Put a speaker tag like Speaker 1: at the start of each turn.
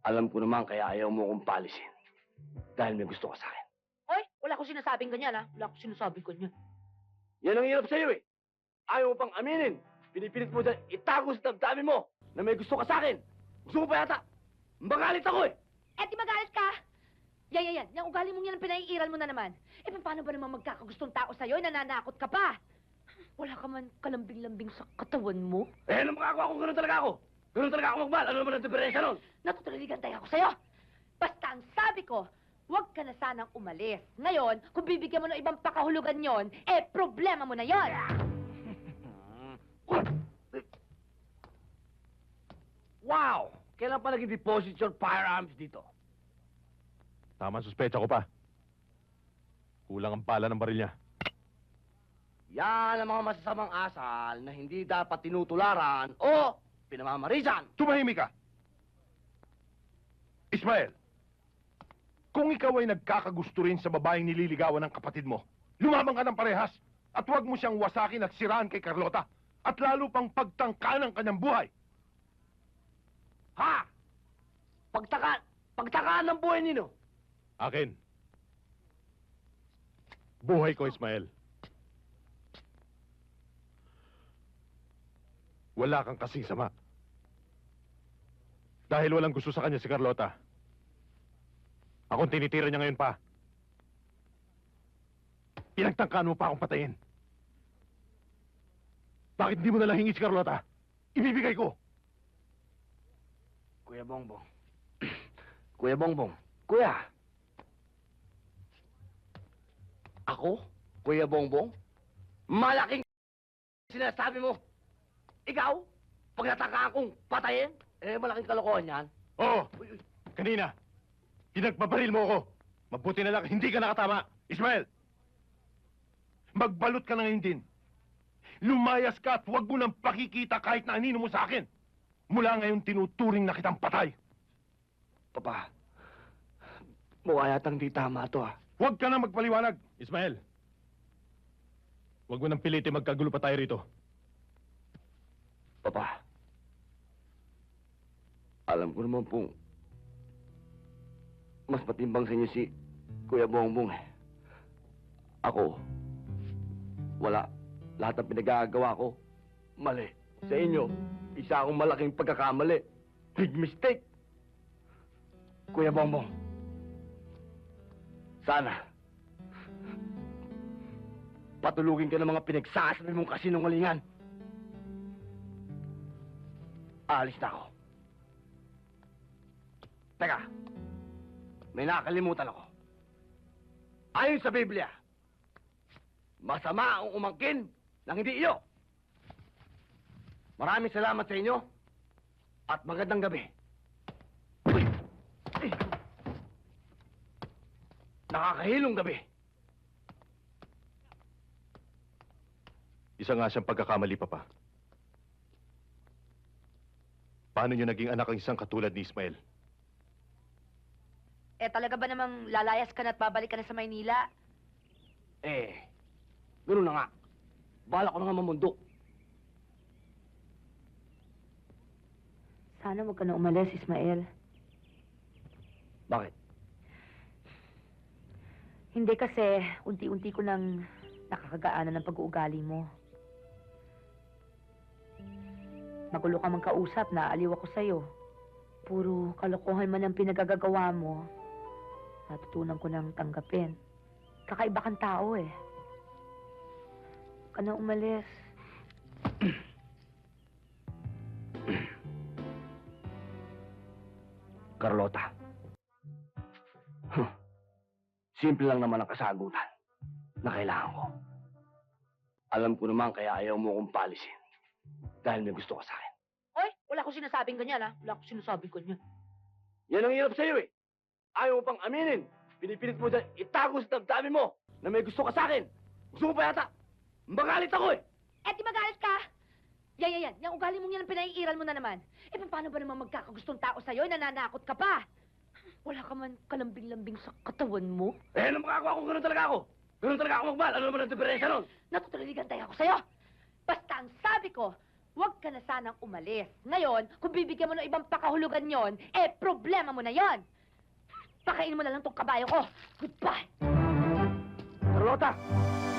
Speaker 1: Alam ko naman kaya ayaw mo akong palisin. Dahil may gusto ka sa akin.
Speaker 2: Hoy, wala ko sinasabing ganyan, ha? Wala ko sinasabing ganyan.
Speaker 1: Yan ang hirap sa'yo eh. Ayaw mo pang aminin. Pinipilit mo dyan itago sa damdamin mo na may gusto ka sa akin. Gusto mo pa yata. Magalit ako eh.
Speaker 2: Eh, di magalit ka? Yan. Yung ugali mong yan ang pinaiiral mo na naman. Eh, paano ba naman magkakagustong tao sa'yo? Nananakot ka pa. Wala ka man kalambing-lambing sa katawan mo.
Speaker 1: Eh, ano makagawa ko? Ganun talaga ako. Ganun talaga ako magmahal. Ano naman ang diferensya nun?
Speaker 2: Natutuliligan tayo ako sa'yo. Basta ang sabi ko, huwag ka na sanang umalis. Ngayon, kung bibigyan mo ng ibang pakahulugan yon, eh, problema mo na yon.
Speaker 1: Wow! Kailan pa nag-deposit your firearms dito?
Speaker 3: Tama ang suspecha ko pa. Kulang ang pala ng baril niya.
Speaker 1: Yan ang mga masasamang asal na hindi dapat tinutularan o pinamamarisan.
Speaker 3: Tumahimik ka! Ismael, kung ikaw ay nagkakagusto rin sa babaeng nililigawan ng kapatid mo, lumabang ka ng parehas at huwag mo siyang wasakin at siraan kay Carlota at lalo pang pagtangka ng kanyang buhay.
Speaker 1: Ha? Pagtakaan ng buhay nino.
Speaker 3: Akin. Buhay ko, Ismael. Wala kang kasing sama. Dahil walang gusto sa kanya si Carlota. Akong tinitira niya ngayon pa. Pinagtangkaan mo pa akong patayin. Bakit hindi mo nalang hingi si Carlota? Ibibigay ko.
Speaker 1: Kuya Bongbong. Kuya Bongbong. Kuya. Ako? Kuya Bongbong? Malaking sinasabi mo. Ikaw? Pag natangkaan kong patayin? Eh, malaking kalokohan yan.
Speaker 3: Oo. Kanina. Pinagpabaril mo ako. Mabuti na lang hindi ka nakatama. Ismael. Magbalot ka na ngayon din. Lumayas ka at huwag mo nang pakikita kahit na anino mo sa akin. Mula ngayon tinuturing na kitang patay.
Speaker 1: Papa, mukha yatang di tama to ah.
Speaker 3: Huwag ka na magpaliwanag. Ismael. Huwag mo nang pilitin magkagulo pa tayo rito.
Speaker 1: Papa, alam ko naman pong mas matimbang sa inyo si Kuya Bongbong eh. Ako, wala. Lahat ng pinagagawa ko, mali. Sa inyo, isa akong malaking pagkakamali. Big mistake. Kuya Bongbong, sana patulugin ka ng mga pinagsasabi mong kasinungalingan. Aalis na ako. Teka, may nakakalimutan ako. Ayon sa Biblia, masama ang umangkin ng hindi iyo. Maraming salamat sa inyo at magandang gabi. Uy! Ay! Nakakahilong gabi.
Speaker 3: Isa nga siyang pagkakamali, Papa. Paano niyo naging anak ang isang katulad ni Ismael?
Speaker 2: Eh, talaga ba namang lalayas ka na at babalik ka na sa Maynila?
Speaker 1: Eh, ganoon na nga. Bala ko na nga mamundok.
Speaker 2: Sana huwag ka na umalis, Ismael.
Speaker 1: Bakit?
Speaker 2: Hindi kasi unti-unti ko nang nakakagaanan ng pag-uugali mo. Magulo ka mang kausap, naaliw ako sa'yo. Puro kalokohan man ang pinagagagawa mo. Natutunan ko nang tanggapin. Kakaiba kang tao eh. Huwag ka na umalis.
Speaker 1: Carlota. Simple lang naman ang kasagutan na kailangan ko. Alam ko naman kaya ayaw mo akong palisin. Dahil may gusto ka sa akin.
Speaker 2: Hoy, wala ko sinasabing ganyan, ha? Wala ko sinasabing ganyan.
Speaker 1: Yan ang hirap sa'yo eh. Ayaw mo pang aminin. Pinipilit mo dyan itago sa damdamin mo na may gusto ka sa akin. Gusto mo pa yata. Magalit ako eh.
Speaker 2: Eh, di magalit ka? Yan. Yung ugali mong yan ang pinaiiral mo na naman. Eh, paano ba naman magkakagustong tao sa'yo? Nananakot ka pa. Wala ka man kalambing-lambing sa katawan mo.
Speaker 1: Eh, ano makagawa ko? Ganun talaga ako. Ganun talaga ako magmahal. Ano naman ang diferensya nun?
Speaker 2: Natutuliligan tayo ako sa'yo. Basta ang sabi ko, Huwag ka na sanang umalis. Ngayon, kung bibigyan mo ng ibang pakahulugan yon, problema mo na yon. Pakainin mo na lang tong kabayo ko. Goodbye!
Speaker 1: Carlota!